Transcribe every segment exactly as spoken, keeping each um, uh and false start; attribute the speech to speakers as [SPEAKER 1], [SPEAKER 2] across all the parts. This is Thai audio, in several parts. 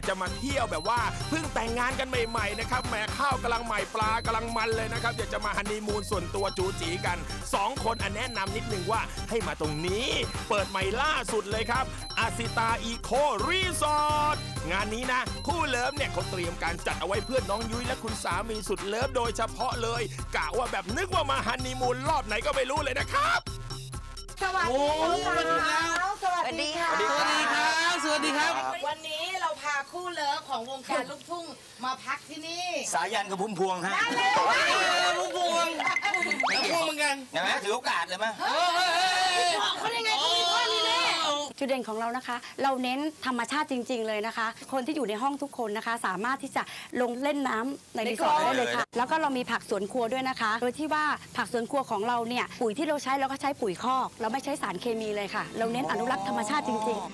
[SPEAKER 1] ากจะมาเที่ยวแบบว่าเพิ่งแต่งงานกันใหม่ๆนะครับแหมข้าวกำลังใหม่ปลากำลังมันเลยนะครับอยากจะมาฮันนีมูนส่วนตัวจูจีกันสองคนอันแนะนำนิดนึงว่าให้มาตรงนี้เปิดใหม่ล่าสุดเลยครับอาซิตาอีโครีสอร์ทงานนี้นะคู่เลิฟเนี่ยเขาเตรียมการจัดเอาไว้เพื่อนน้องยุ้ยและคุณสามีสุดเลิฟโดยเฉพาะเลยกะว่าแบบนึกว่ามาฮันนีมูนรอบไหนก็ไม่รู้เลยนะครับ
[SPEAKER 2] สวัสดีครับสวัสดีค่ะสวัสดีครับ
[SPEAKER 3] สวัสดีครับ
[SPEAKER 2] วันนี้เราพาคู่เลิฟของวงการลูกทุ่งมาพักที่นี่
[SPEAKER 3] สายันกับพุ่มพวงฮะ
[SPEAKER 2] พุ่มพวง
[SPEAKER 3] พุ่มพวงเหมือนกันเห็นไหมถือโอกาสเลยมั้ย
[SPEAKER 2] บอกเขาได้ไงเขามีพ่อมีแม่
[SPEAKER 4] จุดเด่นของเรานะคะเราเน้นธรรมชาติจริงๆเลยนะคะคนที่อยู่ในห้องทุกคนนะคะสามารถที่จะลงเล่นน้ำในรีสอร์ทได้เลยค่ะแล้วก็เรามีผักสวนครัวด้วยนะคะโดยที่ว่าผักสวนครัวของเราเนี่ยปุ๋ยที่เราใช้เราก็ใช้ปุ๋ยคอกเราไม่ใช้สารเคมีเลยค่ะเราเน้นอนุรักษ์ธรรมชาติจริงๆ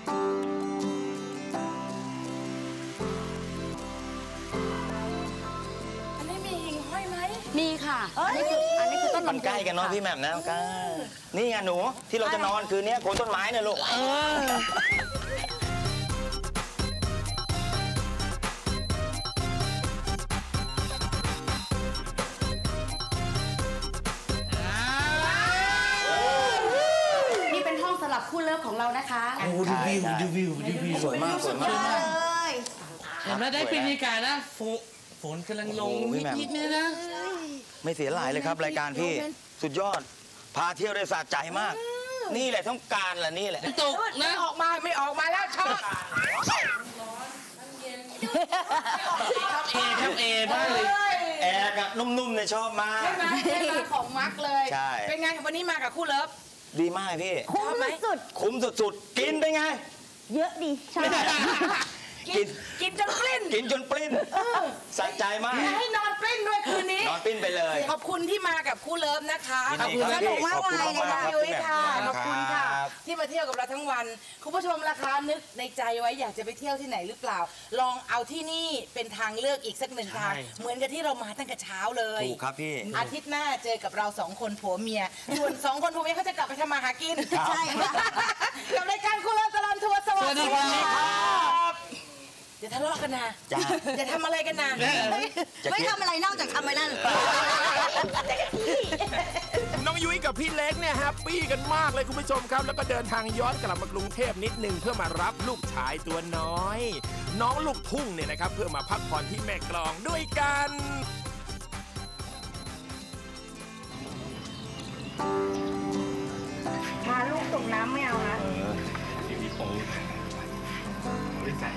[SPEAKER 2] อันนี้มีหิ่งห้อยไหม
[SPEAKER 4] มีค่ะอันนี้คืออันนี้คือต้นลำไย
[SPEAKER 3] มันใกล้กันเนาะพี่แหม่มนะใกล้นี่ไงหนูที่เราจะนอนคืนนี้โคนต้นไม้เนี่ยลูก
[SPEAKER 4] คู่เลิฟของเรานะคะ
[SPEAKER 3] โอ้ดูวิวดูวิวดูวิวสวยมากสวยมาก
[SPEAKER 5] เห็นไหมได้บรรยากาศนะฝนกำลังลงนิดๆเนี่ยนะ
[SPEAKER 3] ไม่เสียหลายเลยครับรายการพี่สุดยอดพาเที่ยวได้สะใจมากนี่แหละต้องการแหละนี่แหละ
[SPEAKER 5] ตกนะ
[SPEAKER 2] ออกมาไม่ออกมาแล้วชอบ
[SPEAKER 5] เอครับเอบ้างเลย
[SPEAKER 3] แอร์กับนุ่มๆเนี่ยชอบมาก
[SPEAKER 2] ใช่ไหมของมักเลย
[SPEAKER 3] ใช่
[SPEAKER 2] เป็นไงวันนี้มากับคู่เลิฟ
[SPEAKER 3] ดีมากพี่
[SPEAKER 4] คุ้มสุด
[SPEAKER 3] คุ้มสุดๆกินเป็นไง
[SPEAKER 4] เยอะดีใช่
[SPEAKER 2] กินกินจนปลิ้น
[SPEAKER 3] กินจนปลิ้นสะใจมาก
[SPEAKER 2] ให้นอนปลิ้นด้วยคืนนี้
[SPEAKER 3] นอนปลิ้นไปเลย
[SPEAKER 2] ขอบคุณที่มากับคู่เลิฟนะคะ
[SPEAKER 3] ขอบคุณ
[SPEAKER 2] สนุกมากเลยนะคะยุ้ยค่ะขอบคุณค่ะที่มาเที่ยวกับเราทั้งวันคุณผู้ชมราคานึกในใจไว้อยากจะไปเที่ยวที่ไหนหรือเปล่าลองเอาที่นี่เป็นทางเลือกอีกสักหนึ่งทางเหมือนกับที่เรามาตั้งแต่เช้าเลย
[SPEAKER 3] ถูกครับพี่
[SPEAKER 2] อาทิตย์หน้าเจอกับเราสองคนผัวเมียส่วนสองคนผัวเมียเขาจะกลับไปทำมาหากินใช่ค่ะกับรายการคู่เลิฟตลอดทัวร์สวัสดีครับอย่าทะเลาะกันนะอย่าทำอะไรกันนะ
[SPEAKER 4] ไม่ทำอะไรนอกจากทำไว้นั่น
[SPEAKER 1] น้องยุ้ยกับพี่เล็กเนี่ยแฮปปี้กันมากเลยคุณผู้ชมครับแล้วก็เดินทางย้อนกลับมากรุงเทพนิดนึงเพื่อมารับลูกชายตัวน้อยน้องลูกทุ่งเนี่ยนะครับเพื่อมาพักผ่อนที่แม่กลองด้วยกัน
[SPEAKER 4] พาลูกตกน้ำไม่เอานะ
[SPEAKER 3] พี่โป๊ไม่ใส่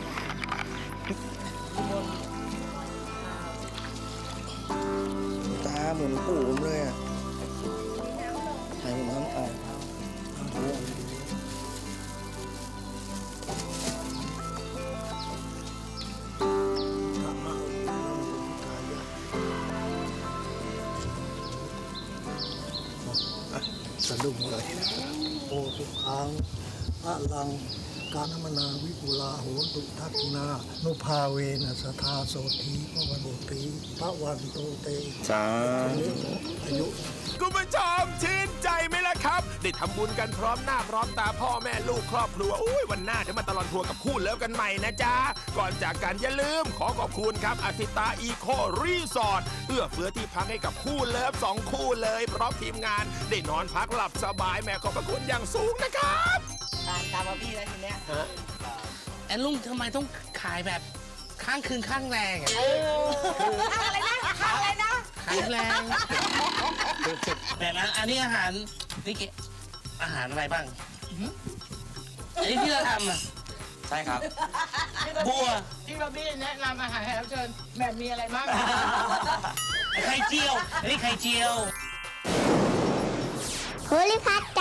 [SPEAKER 3] ตาเหมือนปู่ผมเลยอ่ะใส่ผมทั้งออก
[SPEAKER 6] สะดุ้งเลยโอทุกครั้งอะลังการมนาวิปุลาโหตุทักขินานุภาเวนะสทาโสธีพระวันโตตีพระวันโตเต
[SPEAKER 3] สา
[SPEAKER 6] อายุ
[SPEAKER 1] คุณผู้ชมชื่นใจไหมล่ะครับได้ทำบุญกันพร้อมหน้าพร้อมตาพ่อแม่ลูกครอบครัวอุ้ยวันหน้าจะมาตลอดทัวร์กับคู่เลิฟกันใหม่นะจ๊ะก่อนจากกันอย่าลืมขอขอบคุณครับอาซิตาอีโครีสอร์ทเอื้อเฟื้อที่พักให้กับคู่เลิฟสองคู่เลยพร้อมทีมงานได้นอนพักหลับสบายแม่ขอบพระคุณอย่างสูงนะครับ
[SPEAKER 2] ตามตามมาพี่แล้วทีเนี้ย
[SPEAKER 5] แอนลุงทำไมต้องขายแบบข้างคืนข้างแรงอ่ะ
[SPEAKER 2] ข้างอะไรนะข้างอะไรนะ
[SPEAKER 5] ขายแรงแต่ละอันนี้อาหารนี่เกอาหารอะไรบ้างอันนี้ที่เราทำอ่ะ
[SPEAKER 3] ใช่ครับ
[SPEAKER 5] บัว
[SPEAKER 2] ที่เราพี่แนะนำอาหารให้เราเชิญแบบมีอะไรบ้าง
[SPEAKER 5] ไข่เจียวอันนี้ไข่เจียว
[SPEAKER 4] โพลิพัท